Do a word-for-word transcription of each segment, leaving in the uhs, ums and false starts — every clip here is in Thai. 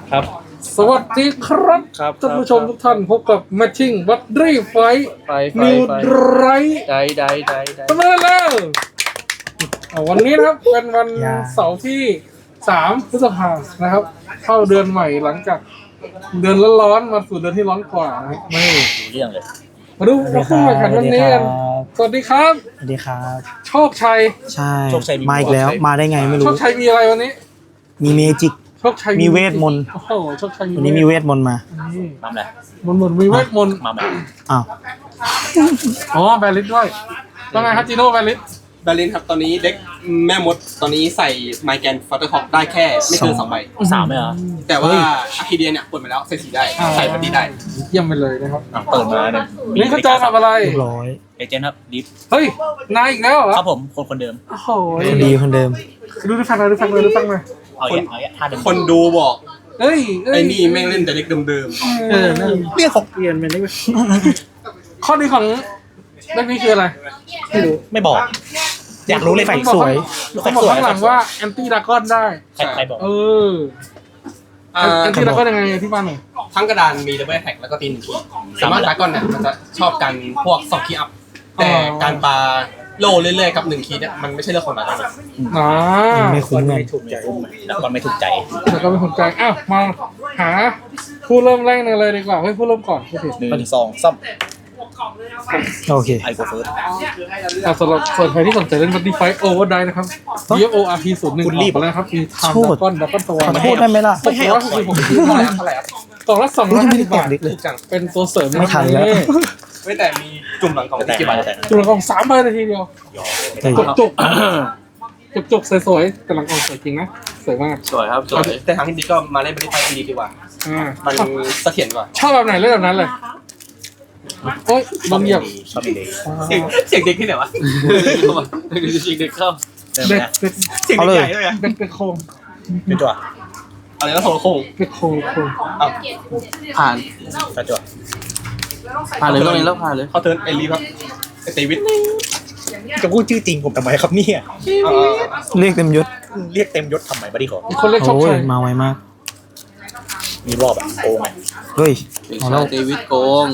ครับสวัสดีครับครับท่านผู้ชมทุกท่านพบกับ Matching วัดรีไฟไฟไฟนิวไฟไรได้ได้ได้ได้ทำไมแล้วอ่าวันนี้นะครับเป็นวันเสาร์ที่สามพฤษภาคมนะครับ เข้าเดือนใหม่หลังจากเดือนร้อนๆมาสู่เดือนที่ร้อนกว่านะครับไม่ดูเรื่องเลยมาดูมาคู่แข่งขันวันนี้กันสวัสดีครับสวัสดีครับโชคชัยใช่มาอีกแล้วมาได้ไงไม่โชรู้คชัยมีอะไรวันนี้มีเมจิกโชคชัยมีเวทมนต์โอ้โหโชคชัยวันนี้มีเวทมนต์มานี่มาเลยมนต์มนต์มีเวทมนต์มาแบบอ้าวอ๋อแบลิสด้วยว่าไงครับจีโน่แบลิสบาลินครับตอนนี้เด็กแม่มดตอนนี้ใส่ไมแกนฟัตเตอร์ฮอกได้แค่ไม่เกินสองใบสามไหมเหรอแต่ว่าอะคิเดียเนี่ยเปิดมาแล้วใส่สีได้ใส่บัตตี้ได้เยี่ยมไปเลยนะครับอ่ะเปิดมาเนี่ยนี่เขาจองกับอะไรเรียบร้อยเอเจนต์ครับดิฟเฮ้ย นายอีกแล้วเหรอครับผมคนคนเดิมโอ้โหคนดีคนเดิมดูดูฟังเลยดูฟังเลยดูฟังเลยเอาอย่างเอาอย่างท่าเดิมคนดูบอกเฮ้ยเอ้ยไอ้นี่แม่งเล่นแต่เด็กเดิมเออนั่นเรื่องของเปลี่ยนไปเลยข้อดีของเรื่องนี้คืออะไรไม่รู้ไม่บอก อยากรู้เลยแฟกสวยเขาบอกข้างหลังว่าแอนตี้ดากอนได้ใครใครบอกเออๆอ่าแอนตี้ดากอนยังไงที่บ้านหน่อยทั้งกระดานมีดับเบิลแท็กแล้วก็ตีหนึ่งทีสามารถดากอนเนี่ยมันจะชอบกันพวกสองคีย์อัพแต่การปาโลเรื่อยๆกับหนึ่งคีย์เนี่ยมันไม่ใช่เรื่องของดากอนอ๋อไม่คุ้มเงินแล้วก็ไม่ถูกใจแล้วก็ไม่สนใจอ้าวมาหาผู้เริ่มแรกเลยดีกว่าเฮ้ยผู้เริ่มก่อนผู้ผิดหนึ่งสองซ้โอเคำไอโกเฟิร์สอ่ะสำหรับส่วนใครที่สนใจเล่นบัตตี้ไฟโอเวอร์ไดนะครับ ดี เอฟ โอ อาร์ พี ศูนย์หนึ่งคุณรีบออกมาแล้วครับมีไทม์โทษดากอนดากอนตัวขอโทษได้ไหมล่ะไม่ให้เอาหกสิบเท่าไหร่ครับเท่าไหร่ครับกล่องละสองร้อยห้าสิบบาทไม่ได้แตกดิถูกจังเป็นตัวเสริมไม่ทันแล้วไม่แต่มีจุ่มหลังกล่องแต่ที่กี่ใบแต่จุดละกล่องสามใบนาทีเดียวเฮ้ยจุกจุกจุกจุกสวยๆแต่หลังกล่องสวยจริงนะสวยมากสวยครับสวยแต่ทางที่ดีก็มาเล่นบริไฟดีดีกว่าอ่ามันเสถียรกว่าชอบแบบไหนเล่นแบบนั้นเลยโอ๊ยโดนเหยียบชอบมีเด็กเสียงเสียงเด็กที่ไหนวะจริงเด็กเข้าเดิมเด็กนะเด็กเสียงเด็กใหญ่ด้วยอะเด็กเด็กโคงเป็นตัวอะไรก็โทรโค้งเด็กโคงโคงอ้าวผ่านกระจกผ่านเลยก็เลยแล้วผ่านเลยเขาเทิร์นไอรีครับไอเตวิทจะพูดชื่อจริงผมทำไมครับเนี่ยเอ่อเรียกเต็มยศเรียกเต็มยศทำไมบัดดี้ขอมีคนเล่นชอบโอ้ใคยรมาไวมากมีรอบแบบโกงไงเฮ้ยเอาแล้วเดวิดโกง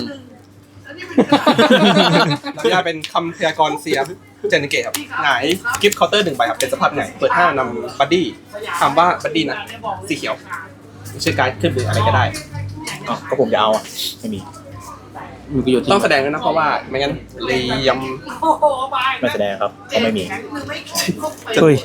เราจะเป็นคำพยากรณ์เสียเจนเกตครับหงายกิฟต์เคาน์เตอร์หนึ่งใบครับเป็นสภาพหงายเปิดห้านำบัดดี้คำว่าบัดดี้นะสีเขียวชื่อการดขึ้นมืออะไรก็ได้อ๋อก็ผมจะเอาอ่ะไม่มีมีประโยชน์ที่ต้องแสดงด้วยนะเพราะว่าไม่งั้นเลยยไม่แสดงครับก็ไม่มีเฮ้ย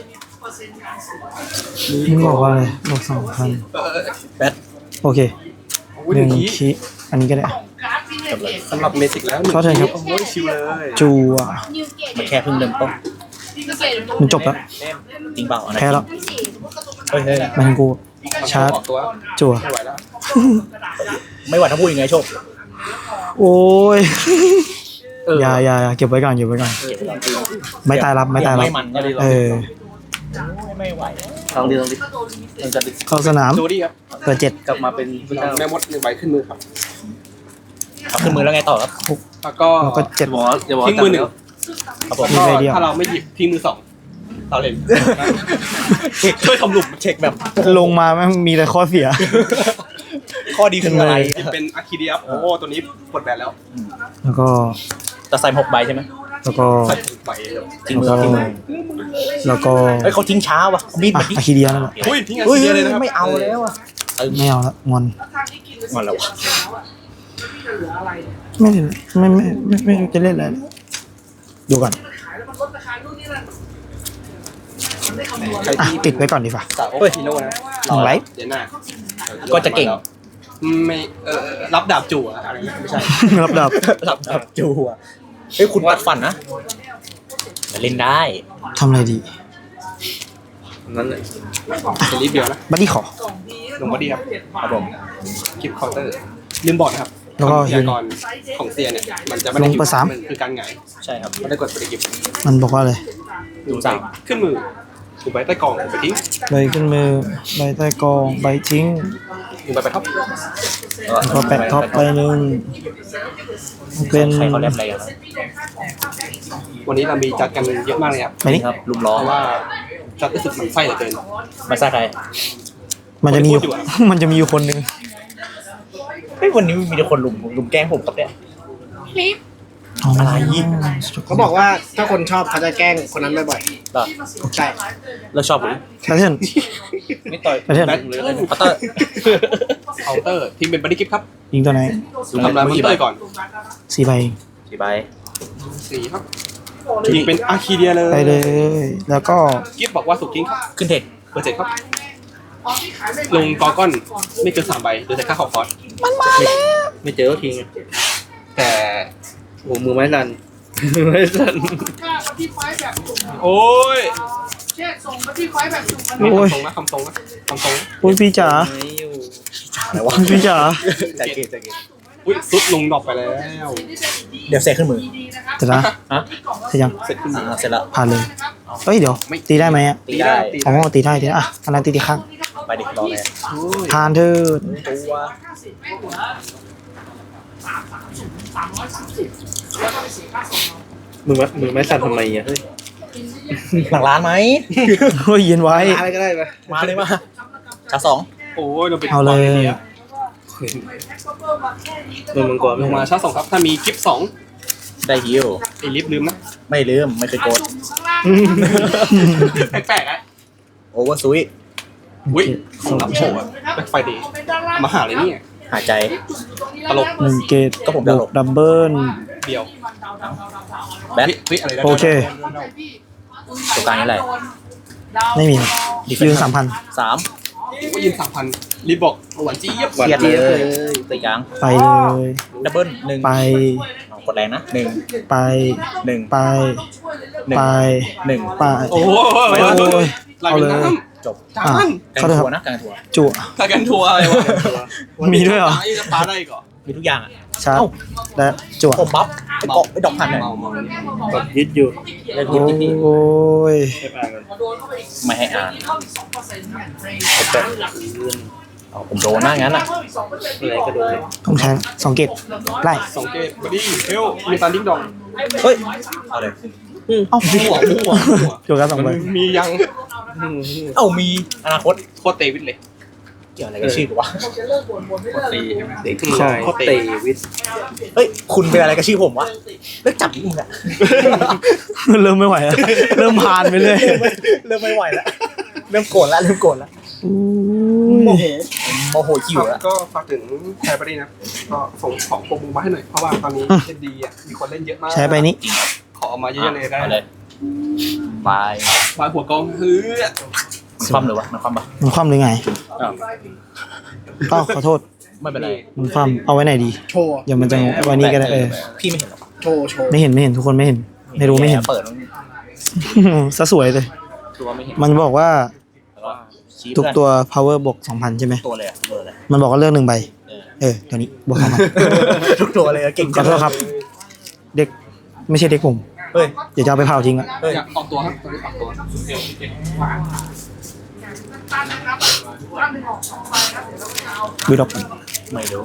มึงบอกว่าอะไรบอกสองพันำเออแบทโอเคอุ้ยหหนึ่นึ่งงคีคิอันนี้ก็ได้จบเลยสำหรับเมสิกแล้วหนึ่งเข้าใจครับโอ้ยชิวเลยจูอ่ะมันแค่เพิ่งเริ่มต้นมันจบแล้วจริงเปล่าอันนั้นแพ้แล้วเฮ้ยเฮ้ยมันกูชาร์จออกตัวจั่วไม่ไหวแล้วไม่ไหวถ้าพูดยังไงโชคโอ้ยอย่าอย่าอย่าเก็บไว้ก่อนเก็บไว้ก่อนไม่ตายรับไม่ตายรับไม่มันก็เลยเออไม่ไหวลองดีลองดีลองจัดดิเข้าสนามโจดี้ครับเปิดเจ็ดกลับมาเป็นพระเจ้าแม่มดหนึ่งใบขึ้นมือครับเอาขึ้นมือแล้วไงต่อครับแล้วก็แล้วก็เจ็ดอย่าบอกอย่าบอกทิ้งมือหนึ่งครับผมมีแล้วใบเดียวก็ถ้าเราไม่หยิบทิ้งมือสองเราเล่นเช็คช่วยทำหลุมเช็คแบบลงมาแม่งมีแต่ข้อเสียข้อดีคืออะไรหยิบเป็นอะคิเดียโอ้โหตัวนี้ปลดแบนแล้วแล้วก็จะใส่หกใบใช่ไหมแล้วก็ใส่ถุงใบเลยจริงมือจริงมือแล้วก็เฮ้ยเขาทิ้งช้าวะมีดอ่ะมาดิอะคิเดียนั่นแหละอุ้ยทิ้งอะเฮ้ยคิเดียเลยนะครับไม่เอาแล้วอ่ะไม่เอาละงอนงอนแล้ววะไม่เล่นไม่ไม่ไม่ไม่รู้จะเล่นอะไรดูก่อนใครอ่ะที่ติดไว้ก่อนดีกว่าสาวฮีโร่นะหนึ่งไลฟ์เดี๋ยวหน้าก็จะเก่งไม่เออรับดาบจู่อะอะไรนะไม่ใช่รับดับหลับดับจูอ่ะเฮ้ยคุณปัดฝันนะแต่เล่นได้ทำอะไรดีนั้นเลยเป็นรีบเดียวนะบัดดี้ขอลงมาดีครับครับผมคลิปเคาน์เตอร์ลืมบอกนะครับแล้วก็พยากรณ์ของเซียเนี่ยมันจะไม่ได้ลงเปิดสามนคือการหงายใช่ครับไม่ได้กดปฏิกิริยามันบอกว่าอะไรดูสามขึ้นมือถูกใบใต้กล่องไปทิ้งใบขึ้นมือใบใต้กองใบทิ้งถูกใบไปท็อปแล้วก็แปะท็อปใบหนึ่งเป็นใครเขาเล่นอะไรกันครับวันนี้เรามีจัดกันเยอะมากเลยครับใบนี้ครับลุมล้อเพราะว่าจัดรู้สึกมันไส้เหลือเกินมาซ่าใครมันจะมีอยู่ มันจะมีอยู่คนหนึ่งเฮ้ยวันนี้มีแต่คนลุมลุมแกล้งผมครับเนี่ยอะไรเขาบอกว่าถ้าคนชอบเขาจะแกล้งคนนั้นบ่อยเหรอๆใช่เราชอบผมแพทเทิร์นไม่ต่อยแพทเทิร์นแบทหรืออะไรพัตเตอร์เคาน์เตอร์ทีมเป็นบัดดี้กิฟต์ครับยิงตัวไหนทำลายมอนสเตอร์ก่อนสี่ใบสี่ใบสี่ครับยิงเป็นอาร์คีเดียเลยไปเลย แล้วก็กิฟต์บอกว่าถูกทิ้งครับขึ้นเทคเบอร์เจ็ดครับลงกอก้อนไม่เกินสามใบโดยแต่ค่าขอคอร์สไม่เจอก็ทิ้งแต่โอ้มือไม้สั่นมือไม้สั่นโอ้ยโอ้ยคำทรงนะคำทรงนะคำทรงนะโอ้ยพี่จ๋าไม่อยู่อะไรวะพี่จ๋าใจเกตใจเกตอุ้ยซุดลงดรอปไปแล้วเดี๋ยวเสกขึ้นมือเสร็จแล้วฮะเสร็จยังเสร็จขึ้นมาอ่าเสร็จแล้วผ่านเลยเฮ้ยเดี๋ยว ตีได้ไหมอ่ะตีได้ตีอ๋ได้อตีได้ตีได้อ่ะอันนั้นตีตีข้างไปดิรอเลยโอ้ยผ่านเถิดตัวมือไม้มือไม้สั่นทำไมอ่ะเฮ้ยหลังร้านไหมเฮ้ยเย็นไว้อะไรก็ได้ไปมาเลยมาชาสองโอ้ยเราเป็นเอาเลยมือมังกรลไม่งมามาชาร์จสองครับถ้ามีกิฟต์สองได้ฮิวไอ้ลิฟต์ลืมนะไม่ลืมไม่เคยโกดแปลกๆอ่ะโอเวอร์ซุยอุ้ยของรับโชว์อะแบ็คไฟเดย์มาหาเลยเนี่ยหายใจตลกหนึ่งเกตก็ผมบจะวหลกบดับเบิลเดียวแบทเฮ้ยอะไรนะโอเคตัวกลางนี่แหละไม่มีครับยืนสามพันสามว่ายินสามพันรีบบอกหวานจี๊บหวานเกียดเจี๊ยบเลเลย ยตีกลางไปเลยดับเบิลหนึ่งไปเอากดแรงนะหนึ่งไปหนึ่งไปหนึ่งไปหนึ่งไปโอ้โหโอ้ยลายเอาเป็นเลยน้จบำจาอ่ะนกลางเข้าเถอะทัวร์นะกลางทัวร์จั่วถ้ากันทัวร์อะไรวะมีด้วยเหรอจะปาได้ก่อนมีทุกอย่างอ่ะชาร์จและจั่วผมบัฟไอ้เกาะไอ้ดอกพันเนี่ยเมาเมากดยึดอยู่เล่นยิบยิบยิบโอ้ยให้ปลากันไม่ให้อ่านเอาผมโดนหน้างั้นอ่ะอะไรก็โดนเลยต้องใช้สองเกตไล่สองเกตบอดี้เฮลมีตันดิ้งดองเฮ้ยเอาเลยเอ้ามั่วมั่วมั่วจั่วกันสองใบมันมียังเอ้ามีอนาคตโคตรเตวิดเลยเกี่ยวอะไรกับชื่อกูวะตีใช่ไหมเด็กใช่เตะวิทย์เฮ้ยคุณเป็นอะไรกับชื่อผมวะเลิกจับมึงอ่ะเริ่มไม่ไหวแล้วเริ่มผ่านไปเลยเริ่มไม่ไหวแล้วเริ่มโกรธแล้วเริ่มโกรธแล้วโมโหโมโหคิวแล้วก็ฝากถึงแคร์บอดี้นะก็ส่งของโปรโมมาให้หน่อยเพราะว่าตอนนี้เอ็นดีอ่ะมีคนเล่นเยอะมากใช้ไปนี้ขอเอามาเยอะๆเลยได้เอาเลยบายบายหัวกองเฮ้ยมันคว่ำเลยวะมันคว่ำปะมันคว่ำหรือไงอ้าวเอ้าขอโทษไม่เป็นไรมันคว่ำเอาไว้ไหนดีโชว์เดี๋ยวมันจะไว้นี่ก็ได้เออพี่ไม่เห็นหรอกโชว์โชว์ไม่เห็นไม่เห็นทุกคนไม่เห็น ไม่รู้ไม่เห็นเปิดซะสวยเลยตัวไม่เห็นมันบอกว่าแล้วก็ชี้ทุกเพื่อนตัว power บวกสองพันใช่ไหมตัวเลยอะตัวเลยมันบอกว่าเลือกหนึ่งใบเออเออตัวนี้บวกสองพันทุกตัวเลยอะเก่งขอโทษครับ เด็กไม่ใช่เด็กผมเฮ้ยเดี๋ยวจะเอาไปเผาทิ้งอะเฮ้ยอยากออกตัวครับตอนนี้ออกตัววีดอกไม่รู้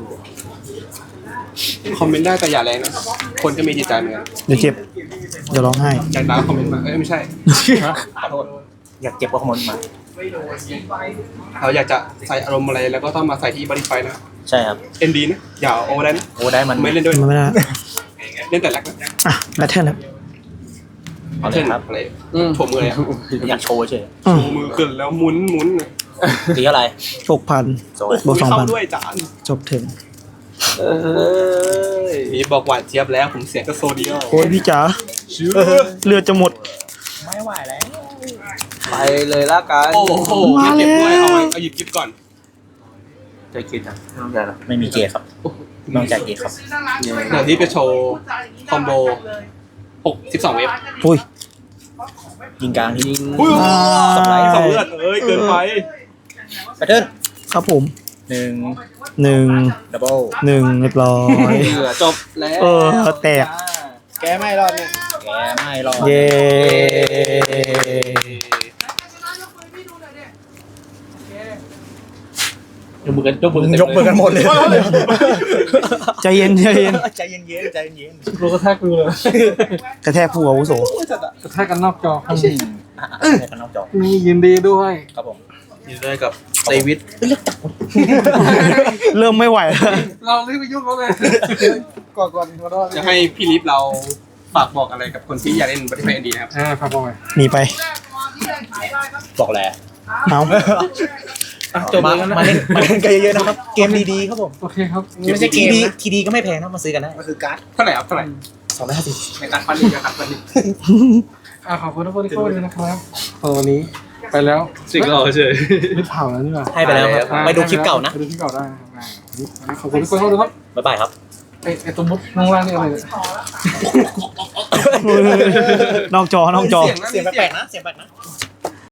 คอมเมนต์ได้แต่อย่าแรงนะคนก็มีจิตใจเหมือนกันเดี๋ยวเจ็บเดี๋ยวร้องไห้อยากด่าคอมเมนต์มาเอ้ยไม่ใช่ขอโทษอยากเจ็บก็ขโมยมาเราอยากจะใส่อารมณ์อะไรแล้วก็ต้องมาใส่ที่บริไฟนะใช่ครับเอ็นดีนะอย่าโอได้นะโอ้ได้มันไม่เล่นด้วยมันไม่ได้เล่นแต่แรกนะอ่ะแบทเทิลครับเอาเลยครับอะไรโชว์มือเลยอะอยากโชว์เฉยอืโชมว์มือขึ้นแล้วหมุนหมุนตีอะไรหกพันโซ่บวกสองเข้าพันด้วยจานจบถึงเอ้ยนี่บอกหวานเจี๊ยบแล้วผมเสียงก็โซเดียวโอ้ยพี่จ๋าเลือดจะหมดไม่ไหวแล้วไปเลยละกันโอ้โหมาแล้วเก็บด้วยเอาไว้เอาหยิบกิฟก่อนใจคิดอ่ะไม่ต้องใจหรอกไม่มีเกย์ครับไม่ต้องจ่ายเกย์ครับเดี๋ยวนี้ไปโชว์คอมโบหกสิบสองเวฟอุ้ยยิงกลางที่ยิงอุ้ยสองไลท์สองเลือดเอ้ยเกินไปแพทเทิร์นครับผมหนึ่งหนึ่งดับเบิลหนึ่งเรียบร้อยเหลือจบแล้วเออแตกแกไม่รอดเนี่ยแกไม่รอดเย้ยกมือกันยกมือกันยกมือกันหมดเลยใจเย็นใจเย็นใจเย็นๆใจเย็นรู้กระแทกดูเลยกระแทกผู้อาวุโสกระแทกกันนอกจอๆอ่ะๆให้กันนอกจอนี่ยินดีด้วยครับผมยยินดีด้วยกับเดวิดเริ่มไม่ไหวแล้วเรารีบไปยุ่งเขาเลยก่อนก่อนขอโทษจะให้พี่ลิฟเราฝากบอกอะไรกับคนที่อยากเล่นบัตตี้ไฟเอ็นดีนะครับอ่าพาบอกไปหนีไปบอกแล้วเอาจบมาเลยนะมาเล่นมาเล่นกันเยอะๆนะครับ เกมดีๆครับผมโอเคครับไม่ใช่เกทีมดีนะทีดีก็ไม่แพงนะมาซื้อกันได้มันคือการ์ดเท่าไหร่ครับเท่าไหร่สองร้อยห้าสิบในการฟันนี่นะครับฟันนี่อ่าขอบคุณทุกคนที่เข้ามาเลยนะครับเออวันนี้ไปแล้วสิ่งเราเฉยรีบเผาแล้วนี่หว่าให้ไปแล้วครับอ่าไปดูคลิปเก่านะไปดูคลิปเก่าได้นะครับอ่าวันนี้ขอบคุณทุกคนเข้ามาดูครับบ๊ายบายครับไอไอตัวมุดข้างล่างนี่อะไรเนี่ยนอกจอนอกจอเสียงนะเสียงแปลกๆนะ เสียงแปลกๆนะ